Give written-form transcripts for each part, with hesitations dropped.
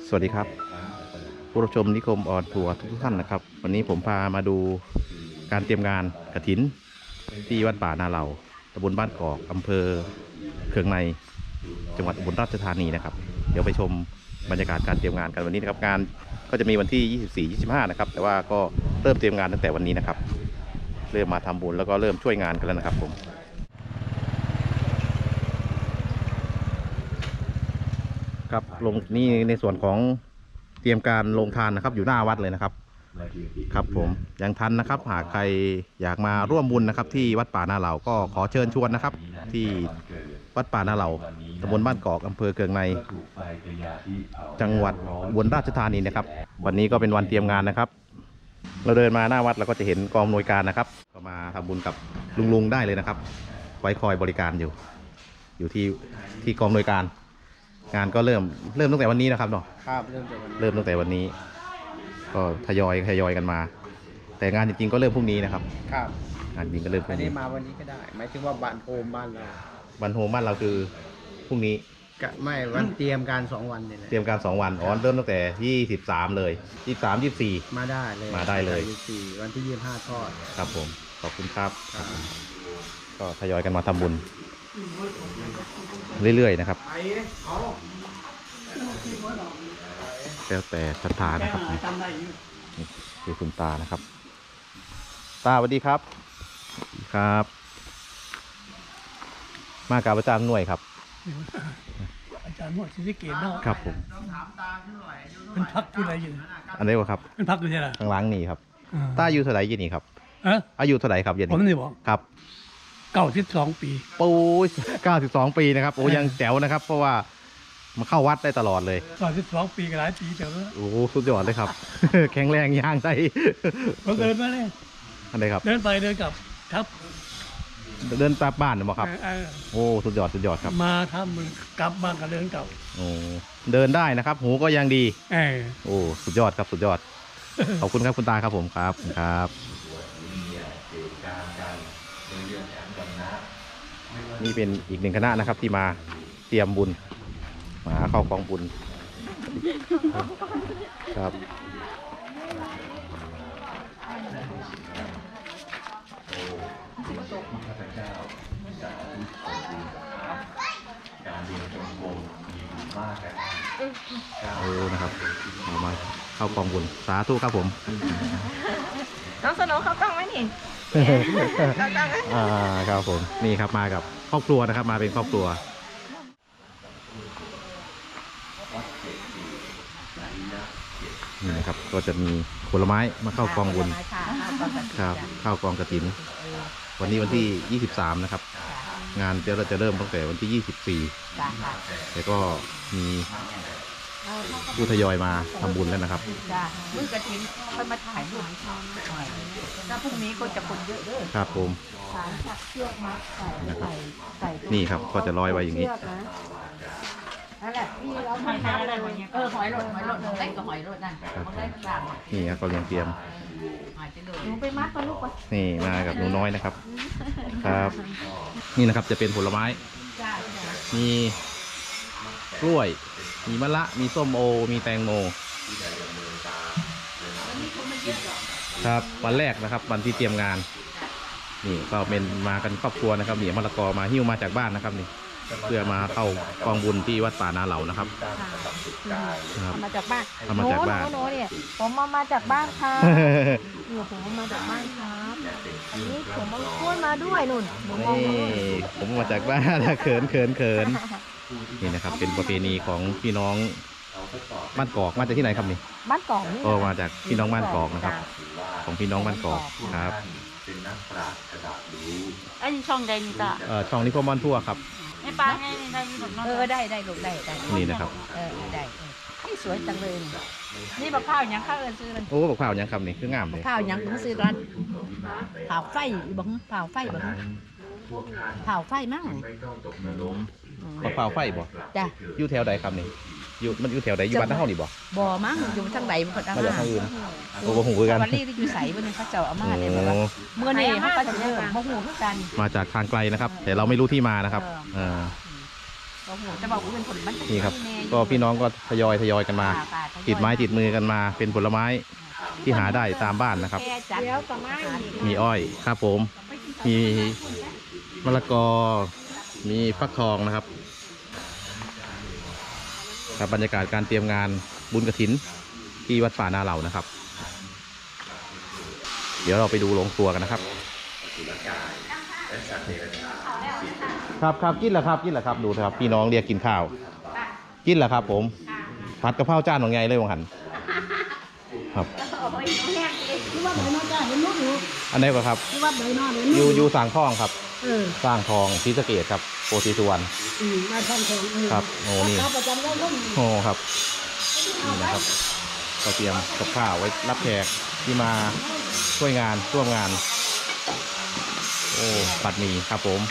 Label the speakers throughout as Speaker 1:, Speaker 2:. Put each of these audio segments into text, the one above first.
Speaker 1: สวัสดีครับผู้รับชมนิคมออนทัวร์ทุกท่านนะครับวันนี้ผมพามาดูการเตรียมงานกฐินที่วัดป่านาเหล่าตำบลบ้านกอกอำเภอเคืองในจังหวัดอุบลราชธานีนะครับเดี๋ยวไปชมบรรยากาศการเตรียมงานกันวันนี้นะครับงานก็จะมีวันที่ 24-25 นะครับแต่ว่าก็เริ่มเตรียมงานตั้งแต่วันนี้นะครับเริ่มมาทำบุญแล้วก็เริ่มช่วยงานกันแล้วนะครับผมครับลงนี่ในส่วนของเตรียมการลงทานนะครับอยู่หน้าวัดเลยนะครับครับผมยังทันนะครับหากใครอยากมาร่วมบุญนะครับที่วัดป่านาเหล่าก็ขอเชิญชวนนะครับที่วัดป่านาเหล่าตำบลบ้านกอกอำเภอเคืองในจังหวัดอุบลราชธานีนะครับวันนี้ก็เป็นวันเตรียมงานนะครับเราเดินมาหน้าวัดเราก็จะเห็นกองอำนวยการนะครับก็มาทำบุญกับลุงได้เลยนะครับไว้คอยบริการอยู่ที่กองอำนวยการงานก็เริ่มตั้งแต่วันนี้นะครับเนาะ
Speaker 2: ครับเริ่ม
Speaker 1: ตั้งแต่วันนี้ก็ทยอยกันมา แต่งานจริงๆก็เริ่มพรุ่งนี้นะครับ
Speaker 2: ครับ
Speaker 1: งานจริงก็เริ่มพรุ่
Speaker 2: อัน
Speaker 1: งนี้
Speaker 2: นี้มาวันนี้ก็ได้หมายถึงว่าบ้านโฮมบ้านเรา
Speaker 1: วันโฮมบ้านเราคือพรุ่งนี้
Speaker 2: ไม่วันเตรียมการ2 วันนี่แหละ
Speaker 1: เตรียมการ2 วันอ๋อเริ่มตั้งแต่23เลย23 24
Speaker 2: มาได้เลยวันที่25ทอด
Speaker 1: ครับผมขอบคุณครับก็ทยอยกันมาทำบุญเรื่อยๆนะครับแล้วแต่ศรัทธานะครับนี่คือคุณตานะครับตาสวัสดีครับครับมากับอาจารย์หน่วยครับ
Speaker 3: อาจารย์หมวดศิริเกตเนาะ
Speaker 1: ครับผม
Speaker 3: เป็นพักอยู่ไหนอยู่
Speaker 1: อันนี้วะครับ
Speaker 3: เป็นพักอยู่ที่ไหน
Speaker 1: ข้างหลังนี่ครับตาอายุเท่าไหร่ยี่นี่ครับอายุเท่าไหร่ครับยี่นี่
Speaker 3: ผมนี่บอก
Speaker 1: ครับ
Speaker 3: 92 ปี
Speaker 1: ปู92 ปีนะครับโอ้ยังแจ๋วนะครับเพราะว่ามาเข้าวัดได้ตลอดเลย
Speaker 3: 92 ปีก็หลายปีเดี๋ยว
Speaker 1: โอ้สุดยอดเลยครับ แข็งแรงย่างได้
Speaker 3: ผมเดินมาเลย
Speaker 1: อันไหนครับ
Speaker 3: เดินไปเดินกลับครับ
Speaker 1: เดินกลับบ้านหรือเปล่าครับโอ้สุดยอดครับ
Speaker 3: มาทำมึงกลับบ้านก็เดินกลับ
Speaker 1: โอ้เดินได้นะครับหูก็ยังดีโอ้สุดยอดครับสุดยอดขอบคุณครับคุณตาครับผมครับนี่เป็นอีกหนึ่งคณะนะครับที่มาเตรียมบุญมาเข้ากองบุญครับโอ้นะครับมาเข้ากองบุญสาธุครับผม
Speaker 4: น้องสโนว์เขาต้องไหมนี่
Speaker 1: ครับผมนี่ครับมากับครอบครัวนะครับมาเป็นครอบครัวนี่นะครับก็จะมีผลไม้มาเข้ากองบุญครับเข้ากองกฐินวันนี้วันที่23นะครับงานเราจะเริ่มตั้งแต่วันที่24แล้วก็มีผู้ทยอยมาทำบุญแล้วนะครับ
Speaker 4: บุญกฐินค่อยมาถ่ายรูปถ้าพรุ่งนี้ก็จะคนเยอะด้วย
Speaker 1: ครับผม
Speaker 4: เชือกมัดใส่
Speaker 1: นี่ครับก็จะลอยไว้อย่างนี้
Speaker 4: นั่นแหละพี่เราหอยทำอะไรวันนี้หอยหลดได้กับหอยหลดนั่นได้ต่าง
Speaker 1: นี่ครับก็ยังเตรียม
Speaker 4: หนูไปมัดก่อนลูกก่อน
Speaker 1: นี่มากับหนูน้อยนะครับครับนี่นะครับจะเป็นผลไม้มีกล้วยมีมะละมีส้มโอมีแตงโมครับวันแรกนะครับวันที่เตรียมงานนี่ก็เป็นมากันครอบครัวนะครับเหนียวมะละกอมาหิ้วมาจากบ้านนะครับนี่เพื่อมาเข้ากองบุญที่วัดป่านาเหล่านะครับ
Speaker 4: มาจากบ้านโน้เนี่ยผมมาจากบ้านครับผมมาจากบ้านครับอันนี้ผมมาพูดมาด้วยนุ่น
Speaker 1: ผมมาจากบ้านเขินนี่นะครับเป็นประเพณีของพี่น้องบ้านกอกมาจากที่ไหนครับนี่
Speaker 4: บ้านกอกนี่
Speaker 1: มาจากพี่น้องบ้านกอกนะครับของพี่น้องบ้านกอกครับ
Speaker 4: อันนี้ช่องใดนี่ตา
Speaker 1: ช่องนี้พ่อมอนทั่วครับ
Speaker 4: ไม่ปลาไงได้ลูกได้ลูกได้
Speaker 1: นี่นะครับ
Speaker 4: ได้ให้สวยจังเลยนี่บักข้าวยังข้าวซื้อเลย
Speaker 1: โอ้บักข้าวยังครับนี่คืองามเลย
Speaker 4: ข้าวยังต้องซื้อร้านเผาไฟบังเผาไฟมั้ง
Speaker 1: บักข้าวไฟบ่
Speaker 4: จ้ะ
Speaker 1: อยู่แถวใดครับนี่มันอยู่แถวใดอยู่บ้านเฮานี่
Speaker 4: บ่มั้งอยู่ทางใดมันก็
Speaker 1: มาจากทางอื่นโอ้โหหูกัน
Speaker 4: วันนี้อยู่ใสวันนี้เขาเจ้าอามาเนี่ยแบบเมื่อนี้เขาก็จะเริ่มโมโหกัน
Speaker 1: มาจากทางไกลนะครับแต่เราไม่รู้ที่มานะครับ
Speaker 4: โอ้โหจะบอกว่าเป็นผลมันจะ
Speaker 1: นี่ครับ
Speaker 4: แน่อยู่
Speaker 1: ก็พี่น้องก็ทยอยกันมา
Speaker 4: ค่ะทยอย
Speaker 1: ติดไม้ติดมือกันมาเป็นผลไม้ที่หาได้ตามบ้านนะครับ
Speaker 4: แค่จัด
Speaker 5: เดี๋ยวก็ไม่
Speaker 1: มีอ้อยครับผม มีมะละกอ มีฟักทองนะครับครับบรรยากาศการเตรียมงานบุญกฐินที่วัดป่านาเหล่านะครับ เดี๋ยวเราไปดูโรงครัวกันนะครับ ครับกินเหรอครับดูนะครับพี่น้องเรียกกินข้าวกินเหรอครับผมผัดกะเพราจานของไงเลยวังหันครับ
Speaker 5: ที่ว่าใบนอจ้าเห็นลูกอยู่
Speaker 1: อันไหนี้ก็ครับ
Speaker 5: ที่ว่าใบนอเห็น
Speaker 1: อ
Speaker 5: ลูก
Speaker 1: ยู่สร้างทองครับ
Speaker 5: เออ
Speaker 1: สร้างทองศรีสะเกษครับโพธิสุวรรณ
Speaker 5: มาทองทอง
Speaker 1: ครับโอ้นี่
Speaker 5: ประจำได้ลูก
Speaker 1: โอ้ครับนี่นะครับก็เตรียมกับข้าวไว้รับแขกที่มาช่วยงานร่วมงาน โอ้ปัดหมี่ครับผม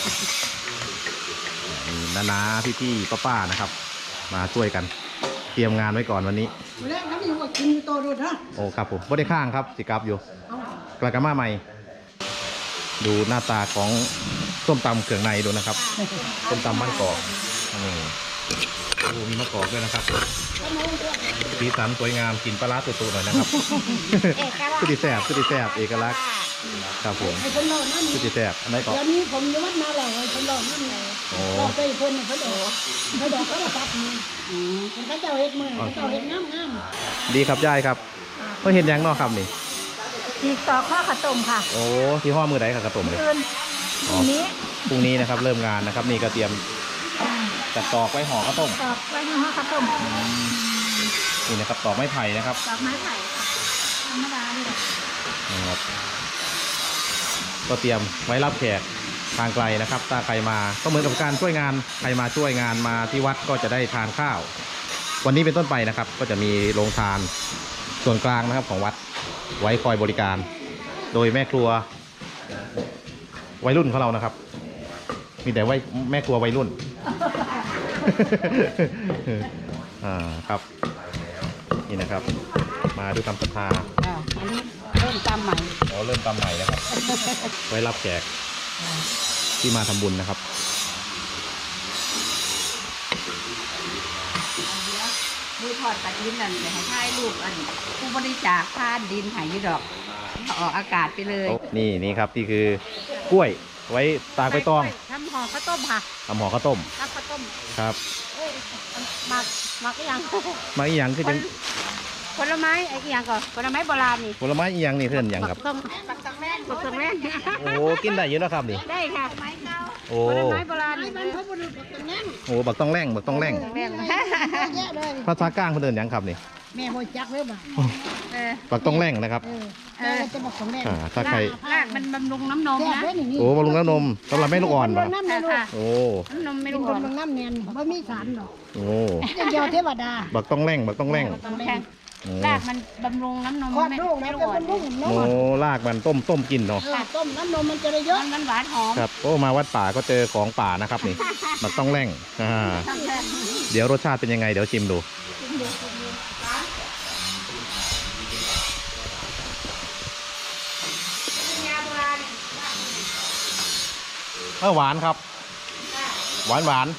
Speaker 1: นี่นาพี่ป้านะครับ มาช่วยกันเตรียมงานไว้ก่อนวันนี้
Speaker 5: แรกน้ำอยู่ว่ากินโตดูนะ
Speaker 1: โอ้ครับผมไม่ได้ข้างครับสิกลับอยู่กลากามาใหม่ ดูหน้าตาของส้มตำเครื่องในดูนะครับส้มตำบ้านกอกนี่โอ้มีมะกอกด้วยนะครับสีสันสวยงามกลิ่นปลาร้าตุ่ๆหน่อยนะครับคือดีแซ่บเอกลักษณ์ครับผม
Speaker 5: ไอ้คนหล่อนั่น
Speaker 1: คือดีแซ่บอันไหนก็
Speaker 5: เดี๋ยวนี้ผมจะวัดนาหล่อไอ้คนหล่อนั่นไง
Speaker 1: โอ้
Speaker 5: หล่อไปคนเขาดอกเขาดอกเขาตัดมือเขาเจ้าเห็ดมือเขาเจ้าเห็ดงาม
Speaker 1: ดีครับยายครับก็เห็นยังเนอกครับนี่
Speaker 5: อีกต่อข้าวขาวต้มค่ะ
Speaker 1: โอ้ที่ห้อมือไหนครับกระต้มเลย
Speaker 5: คืนนี้
Speaker 1: พรุ่งนี้นะครับเริ่มงานนะครับ นี่ก็เตรียมจัดตอกไว้ห่อข้าวต้ม
Speaker 5: ตอกไว้ในห้องข้าวต้ม
Speaker 1: นี่นะครับตอกไม้ไผ่นะครับ
Speaker 5: ตอกไม้ไผ่ธรรมดานี่แหละ
Speaker 1: นะครับก็เตรียมไว้รับแขกทางไกลนะครับถ้าใครมาก็เหมือนกับการช่วยงานใครมาช่วยงานมาที่วัดก็จะได้ทานข้าว วันนี้เป็นต้นไปนะครับ ก็จะมีโรงทานส่วนกลางนะครับของวัดไว้คอยบริการ โดยแม่ครัววัยรุ่นของเรานะครับ มีแต่แม่ครัววัยรุ่น ครับนี่นะครับ มาด้วยคำศรัทธา
Speaker 5: อันนี้เริ่มตามใหม่
Speaker 1: อ๋อเริ่มตามใหม่นะครับ ไว้รับแขกที่มาทำบุญนะครับ
Speaker 4: มือทอดกระดิ่งนั่นแต่ให้ถ่ายรูปอันผู้บริจาคทานดินหายดอกออกอากาศไปเลย
Speaker 1: นี่ครับนี่คือกล้วยไว้ตากใบตอง
Speaker 5: ทำห่อข้าวต้มค่ะ
Speaker 1: ทำห่อข้าวต้ม
Speaker 5: ทำข้าวต้ม
Speaker 1: ครับ
Speaker 5: เอ้ยหมักอีหยัง
Speaker 1: มาอีหยังคือจัง
Speaker 5: ผลไม้ไอ้อีหยังก่อนผลไม้โบราณนี่
Speaker 1: ผลไม้อีหยังนี่เพื่อนหยังครับ
Speaker 5: บักตังแม่บักตังแม่
Speaker 1: โอ้กินได้เยอะนะครับนี่
Speaker 5: ได้ค่ะ
Speaker 1: โอ้
Speaker 5: ผลไม้โบราณนี่มันพระบุรุษบักตังแม่
Speaker 1: โหบักต้องแร่ง
Speaker 5: แม่เยอะเลย
Speaker 1: ภาษากลางเพื่อนเดินหยังครับนี่
Speaker 5: แม่โหจักเลยบ่
Speaker 1: บักต้องแร่งนะครับ
Speaker 5: แม่จะบอกของแม่
Speaker 1: ถ้าใคร
Speaker 4: รากมันบำรุงน้ำนม
Speaker 5: แซ่บ
Speaker 4: นะ
Speaker 5: ด้วยนี่
Speaker 1: โอ้บำรุงน้ำนมสำหรับแม่ลูกอ่อน
Speaker 5: บ่
Speaker 1: ป่ะ
Speaker 5: น้ำเลยลูก
Speaker 1: โอ้
Speaker 4: น้ำนมไม่
Speaker 5: เป็น
Speaker 4: รู้
Speaker 5: ค
Speaker 4: อ่อน น
Speaker 5: บางน้ำเนียนบ่มีสารหรอก
Speaker 1: โอ้
Speaker 5: เดียวเทวดา
Speaker 1: บักต้องแร่ง
Speaker 4: แข็ง
Speaker 1: โอ้
Speaker 4: รากมันบำรุงน้ำนม
Speaker 5: คลอด
Speaker 4: ไม่
Speaker 5: ลูก
Speaker 4: ไม่
Speaker 5: นะ
Speaker 4: รู้
Speaker 5: เป็น
Speaker 4: อ่อน
Speaker 5: ลูกน
Speaker 1: โอ้
Speaker 5: ม
Speaker 1: ลากมันต้มกินเนาะ
Speaker 5: ต้มน้ำนมมันจะได้เยอะ
Speaker 4: มันหวานหอม
Speaker 1: ครับโอ้มาวัดป่าก็เจอของป่านะครับนี่ บักต้องแร่งเดี๋ยวรสชาติเป็นยังไงเดี๋ยวชิมดูหวานครับ หวาน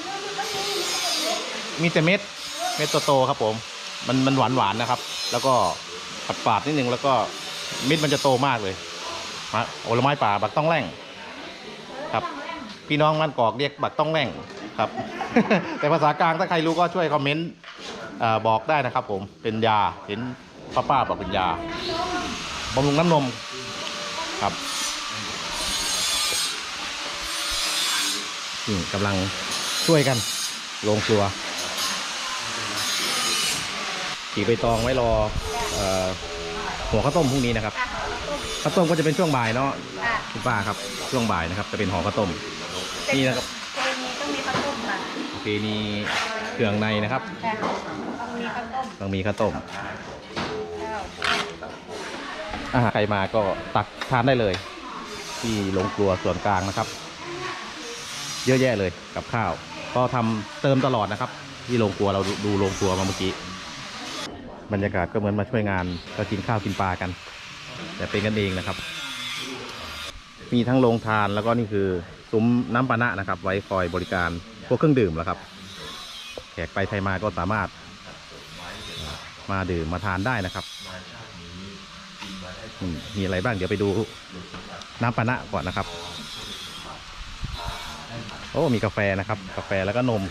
Speaker 1: มีแต่เม็ดโตๆครับผมมันหวานนะครับ แล้วก็ฝาดๆนิดนึงแล้วก็เม็ดมันจะโตมากเลยผลไม้ป่าบักต้องแร่งครับ พี่น้องมันกอกเรียกบักต้องแร่งครับ แต่ภาษากลางถ้าใครรู้ก็ช่วยคอมเมนต์บอกได้นะครับ ผมเป็นยาเห็นป้าบอกเป็นยาบำรุงน้ำนมครับกำลังช่วยกันลงครัวขี่ใบตองไว้รอหัวข้าวต้มพรุ่งนี้นะครับข้าวต้มก็จะเป็นช่วงบ่ายเนาะคุณป้าครับช่วงบ่ายนะครับจะเป็นห่อข้าวต้มนี่นะครับ
Speaker 4: เจนีต้องมีข้าวต้มค่ะ
Speaker 1: โอเคนี่เครื่องในนะครับ
Speaker 4: ต้องมีข้าวต้ม
Speaker 1: ต้องมีข้าวต้มใครมาก็ตักทานได้เลย ที่โรงครัวส่วนกลางนะครับ เยอะแยะเลยกับข้าวก็ทำเติมตลอดนะครับ ที่โรงครัวเราดูโรงครัวมาเมื่อกี้บรรยากาศก็เหมือนมาช่วยงานก็กินข้าวกินปลากัน แต่เป็นกันเองนะครับ มีทั้งโรงทานแล้วก็นี่คือซุ้มน้ำปานะนะครับ ไว้คอยบริการพวกเครื่องดื่มแล้วครับแขกไปไทยมาก็สามารถมาดื่มมาทานได้นะครับมีอะไรบ้างเดี๋ยวไปดูน้ำปานะก่อนนะครับโอ้มีกาแฟนะครับกาแฟแล้วก็นม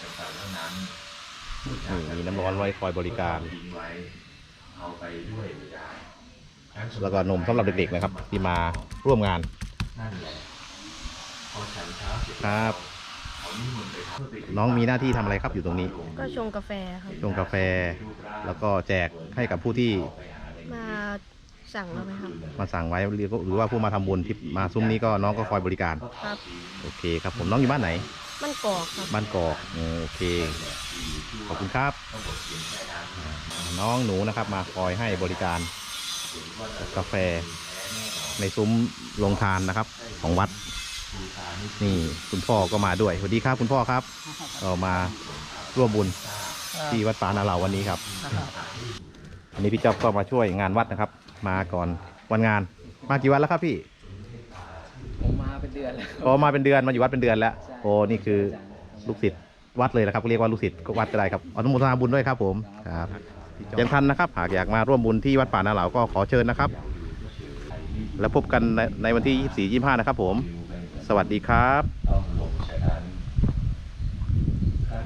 Speaker 1: มีน้ำร้อนไว้คอยบริการแล้วก็นมสำหรับเด็กๆนะครับที่มาร่วมงานครับน้องมีหน้าที่ทำอะไรครับอยู่ตรงนี้
Speaker 4: ก็ชงกาแฟครับ
Speaker 1: ชงกาแฟแล้วก็แจกให้กับผู้ที่
Speaker 4: มาสั่งเราไหมครับ
Speaker 1: มาสั่งไว้หรือว่าผู้มาทำบุญที่มาซุ้มนี้ก็น้องก็คอยบริการ
Speaker 4: ครับ
Speaker 1: โอเคครับผมน้องอยู่บ้านไหน
Speaker 4: มันกอกครับ
Speaker 1: บ้านกอกโอเคขอบคุณครับน้องหนูนะครับมาคอยให้บริการกาแฟในซุ้มโรงทานนะครับของวัดนี่คุณพ่อก็มาด้วยสวัสดีครับคุณพ่อครับก็มาร่วมบุญที่วัดป่านาเหล่าวันนี้ครับอันนี้พี่จ๊อบก็มาช่วยงานวัดนะครับ มาก่อนวันงานมากี่วันแล้วครับพี่
Speaker 2: ผมมาเป็นเดือนแล้ว
Speaker 1: พอมาเป็นเดือนมาอยู่วัดเป็นเดือนแล้ว
Speaker 2: ใช่
Speaker 1: โอ้นี่คือลูกศิษย์วัดเลยนะครับเรียกว่าลูกศิษย์วัดก็ได้ครับอนุโมทนาบุญด้วยครับผมครับยังทันนะครับหากอยากมาร่วมบุญที่วัดป่านาเหล่าก็ขอเชิญนะครับ แล้วพบกันในวันที่ 24-25 นะครับผมสวัสดีครับ